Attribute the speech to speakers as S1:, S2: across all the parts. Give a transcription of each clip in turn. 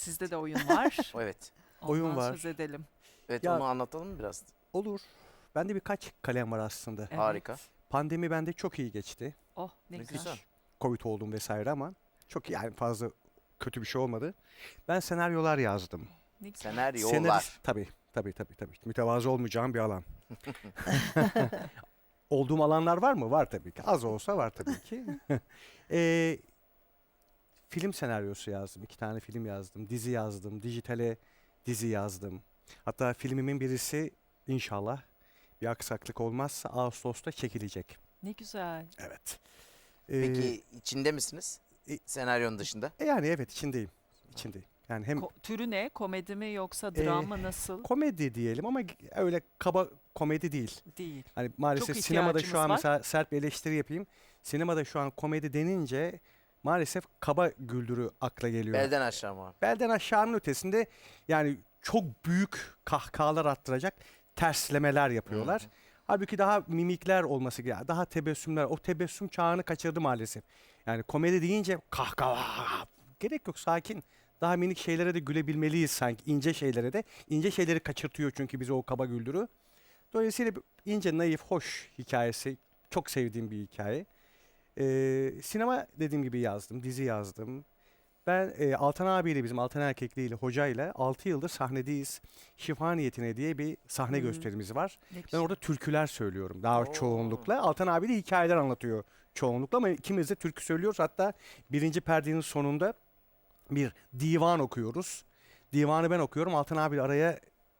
S1: Sizde de oyun var.
S2: Evet.
S3: Oyun
S1: Ondan
S3: var.
S1: söz edelim.
S2: Evet,
S3: Ya-
S2: onu anlatalım mı biraz?
S3: Olur. Bende birkaç kalem var aslında.
S1: Evet.
S2: Harika.
S3: Pandemi bende çok iyi geçti.
S1: Oh ne
S2: Ne
S1: güzel.
S2: güzel.
S3: Covid oldum vesaire ama çok iyi, yani fazla kötü bir şey olmadı. Ben senaryolar yazdım.
S1: Ne güzel.
S2: Senaryolar.
S3: Tabii. Mütevazı olmayacağım bir alan. Olduğum alanlar var mı? Var tabii ki. Az olsa var tabii ki. Ee, Film senaryosu yazdım. 2 tane film yazdım. Dizi yazdım. Dijitale dizi yazdım. Hatta filmimin birisi inşallah bir aksaklık olmazsa Ağustos'ta çekilecek.
S1: Ne güzel.
S3: Evet.
S2: Peki içinde misiniz? Senaryonun dışında.
S3: Yani evet, içindeyim. Yani hem
S1: Türü ne? Komedi mi yoksa drama nasıl?
S3: komedi diyelim ama öyle kaba komedi değil.
S1: Değil.
S3: Hani maalesef
S1: Çok
S3: sinemada şu
S1: ihtiyacımız
S3: an
S1: var.
S3: mesela sert bir eleştiri yapayım. Sinemada şu an komedi denince maalesef kaba güldürü akla geliyor.
S2: Belden aşağı mı?
S3: Belden aşağının ötesinde yani çok büyük kahkahalar attıracak terslemeler yapıyorlar.
S2: Hı hı.
S3: Halbuki daha mimikler olması gerekiyor. Daha tebessümler. O tebessüm çağını kaçırdı maalesef. Yani komedi deyince kahkaha gerek yok, sakin. Daha minik şeylere de gülebilmeliyiz sanki. İnce şeylere de. İnce şeyleri kaçırtıyor çünkü bize o kaba güldürü. Dolayısıyla ince, naif, hoş hikayesi. Çok sevdiğim bir hikaye. Sinema dediğim gibi yazdım. Dizi yazdım. Ben Altan abiyle, bizim Altan Erkekli ile hocayla 6 yıldır sahnedeyiz. Şifa Niyetine diye bir sahne
S1: Hmm.
S3: gösterimiz var.
S1: Ne
S3: Ben
S1: güzel.
S3: orada türküler söylüyorum daha
S2: Oo.
S3: çoğunlukla. Altan abi de hikayeler anlatıyor çoğunlukla ama ikimiz de türkü söylüyoruz. Hatta birinci perdenin sonunda bir divan okuyoruz. Divanı ben okuyorum. Altan abi araya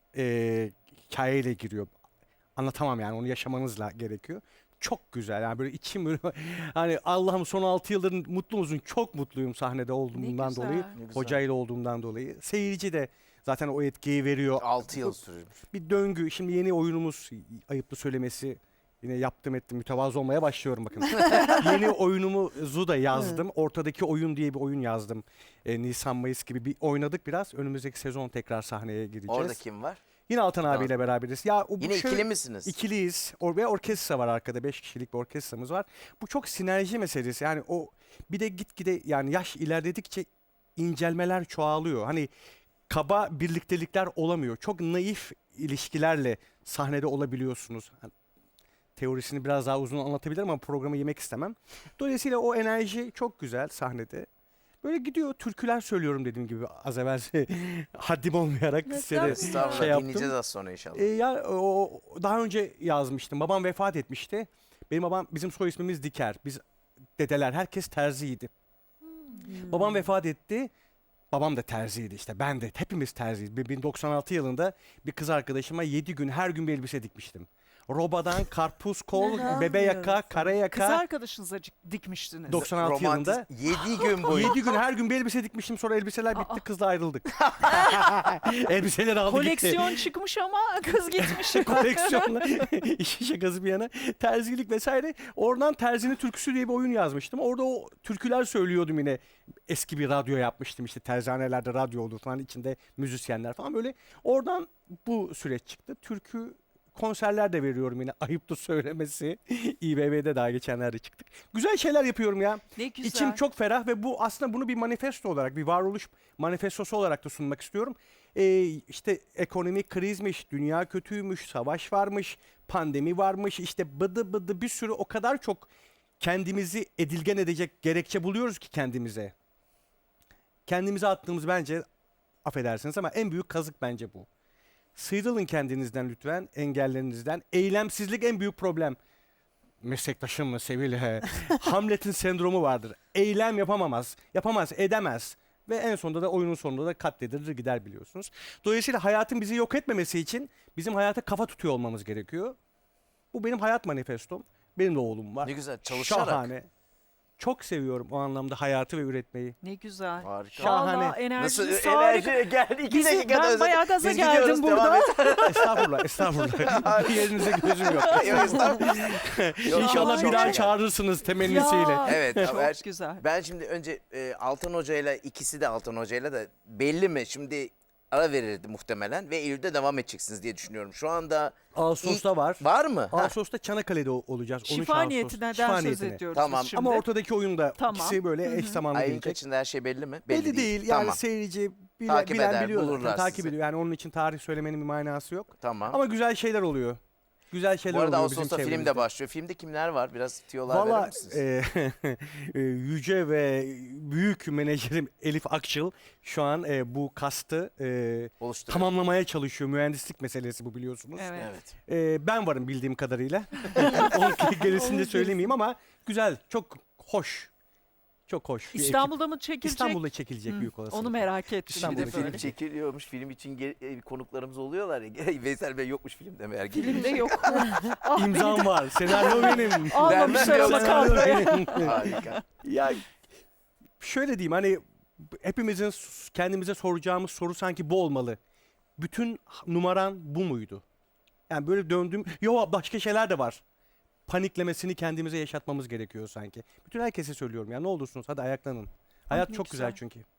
S3: hikayeyle giriyor. Anlatamam yani, onu yaşamanızla gerekiyor. Çok güzel yani, böyle içim böyle hani Allah'ım son 6 yıldır mutlu musun? Çok mutluyum sahnede olduğumdan
S1: güzel.
S3: dolayı.
S2: Ne güzel.
S3: Hocayla olduğumdan dolayı. Seyirci de zaten o etkiyi veriyor.
S2: 6 yıl sürmüş.
S3: Bir döngü. Şimdi yeni oyunumuz, ayıplı söylemesi, yine yaptım ettim, mütevazı olmaya başlıyorum bakın. Yeni oyunumuzu da yazdım. Ortadaki oyun diye bir oyun yazdım. Nisan Mayıs gibi bir oynadık biraz. Önümüzdeki sezon tekrar sahneye gireceğiz.
S2: Orada kim var?
S3: Yine Altan
S2: Tamam.
S3: abiyle beraberiz. Ya o bu
S2: Yine
S3: şöyle-
S2: ikili misiniz?
S3: İkiliyiz. Ve orkestra var arkada. 5 kişilik bir orkestramız var. Bu çok sinerji meselesi. Yani o bir de gitgide yani yaş ilerledikçe incelmeler çoğalıyor. Hani kaba birliktelikler olamıyor. Çok naif ilişkilerle sahnede olabiliyorsunuz. Hani teorisini biraz daha uzun anlatabilirim ama programı yemek istemem. Dolayısıyla o enerji çok güzel sahnede. Böyle gidiyor, türküler söylüyorum dediğim gibi az evvel haddim olmayarak size de
S2: Estağfurullah,
S3: şey yaptım.
S2: dinleyeceğiz az sonra inşallah.
S3: Ya daha önce yazmıştım. Babam vefat etmişti. Benim babam, bizim soy ismimiz Diker. Biz dedeler herkes terziydi. Babam vefat etti. Babam da terziydi işte. Ben de hepimiz terziyiz. 1996 yılında bir kız arkadaşıma 7 gün her gün bir elbise dikmiştim. Robadan karpuz kol, bebe yaka, kara
S1: Kız
S3: yaka.
S1: arkadaşınıza dikmiştiniz.
S3: 96 yılında
S2: 7 gün boyunca.
S3: 7 gün her gün bir elbise dikmiştim. Sonra elbiseler bitti,
S1: Aa.
S3: kızla ayrıldık. Elbiseleri aldı gitti.
S1: Koleksiyon çıkmış ama kız gitmiş.
S3: Koleksiyonla işin şakası bir yana terzilik vesaire. Oradan Terzinin Türküsü diye bir oyun yazmıştım. Orada o türküler söylüyordum yine. Eski bir radyo yapmıştım, işte terzanelerde radyo olur falan, içinde müzisyenler falan, böyle. Oradan bu süreç çıktı. Türkü konserler de veriyorum yine, ayıptır söylemesi. İBB'de daha geçenlerde çıktık. Güzel şeyler yapıyorum ya.
S1: Ne güzel.
S3: İçim çok ferah ve bu aslında bunu bir manifesto olarak, bir varoluş manifestosu olarak da sunmak istiyorum. İşte ekonomik krizmiş, dünya kötüymüş, savaş varmış, pandemi varmış, işte bıdı bıdı bir sürü, o kadar çok kendimizi edilgen edecek gerekçe buluyoruz ki kendimize. Kendimize attığımız, bence affedersiniz ama en büyük kazık bence bu. Sıyrılın kendinizden lütfen, engellerinizden. Eylemsizlik en büyük problem. Meslektaşım mı Sevil? Hamlet'in sendromu vardır. Eylem yapamaz, edemez. Ve en sonunda da, oyunun sonunda da katledilir gider, biliyorsunuz. Dolayısıyla hayatın bizi yok etmemesi için bizim hayata kafa tutuyor olmamız gerekiyor. Bu benim hayat manifestom. Benim de oğlum var.
S2: Ne güzel, çalışarak.
S3: Şahane. Çok seviyorum o anlamda hayatı ve üretmeyi.
S1: Ne güzel.
S2: Harika.
S3: Şahane.
S1: Vallahi
S2: Nasıl
S1: enerjiniz harika.
S2: enerji geldi? 2
S1: Bizi-
S2: dakikada
S1: ben
S2: özledim.
S1: bayağı gaza
S2: Biz
S1: geldim
S2: gidiyoruz, devam
S1: burada.
S2: et.
S3: Estağfurullah. Bir yerinize gözüm yok.
S2: Yok, estağfurullah. Yok,
S3: İnşallah
S2: çok
S3: bir daha
S2: şey.
S3: çağırırsınız temennisiyle.
S1: Ya,
S2: Evet,
S1: çok
S2: ama
S1: güzel.
S2: Ben şimdi önce Altan Hoca'yla, ikisi de Altan Hoca'yla da belli mi? Şimdi ara verirdi muhtemelen ve Eylül'de devam edeceksiniz diye düşünüyorum. Şu anda
S3: Ağustos'ta var.
S2: var mı? Ha,
S3: Ağustos'ta Çanakkale'de olacağız. 13
S1: Şifa
S3: Ağustos.
S1: niyetinden
S3: Şifa
S1: söz
S3: niyetine.
S1: ediyoruz
S2: Tamam.
S1: biz şimdi.
S3: Ama ortadaki oyunda
S1: Tamam.
S3: ikisi böyle eş zamanlı
S2: ayın
S3: gelecek.
S2: kaçında her şey belli mi?
S3: Belli değil. Yani
S2: Tamam.
S3: seyirci
S2: Takip eder,
S3: biliyor zaten,
S2: bulurlar
S3: takip
S2: sizi.
S3: ediyor. Yani onun için tarih söylemenin bir manası yok.
S2: Tamam.
S3: Ama güzel şeyler oluyor. Güzel şeyler
S2: Bu arada
S3: oluyor bizim
S2: Ağustos'ta film
S3: çevremizde.
S2: de başlıyor. Filmde kimler var? Biraz tiyolar verir
S3: Valla
S2: misiniz?
S3: yüce ve büyük menajerim Elif Akçıl şu an bu kastı
S2: Oluşturuyor.
S3: tamamlamaya çalışıyor. Mühendislik meselesi bu, biliyorsunuz.
S1: Evet.
S2: Evet.
S3: Ben varım bildiğim kadarıyla. Onun gerisini de söylemeyeyim ama güzel, çok hoş. Çok hoş. bir ekip.
S1: İstanbul'da mı çekilecek?
S3: İstanbul'da çekilecek
S1: Hı,
S3: büyük olasılıkla.
S1: Onu merak ettim.
S3: İstanbul'da
S1: bir de
S2: Film
S1: böyle.
S2: çekiliyormuş. Film için konuklarımız oluyorlar ya. Veysel Bey yokmuş filmde meğer.
S1: Filmde yok. Ah, beni
S3: İmzam
S1: de
S3: var. Senaryo benim.
S1: almamışlar ama
S3: Senaryo
S1: kadroya.
S3: benim.
S2: Harika.
S3: Ya şöyle diyeyim, hani hepimizin kendimize soracağımız soru sanki bu olmalı. Bütün numaran bu muydu? Yani böyle döndüm. Yo, başka şeyler de var. Paniklemesini kendimize yaşatmamız gerekiyor sanki. Bütün herkese söylüyorum ya, ne olursunuz hadi ayaklanın. Hayat
S1: ne
S3: çok güzel
S1: güzel.
S3: çünkü.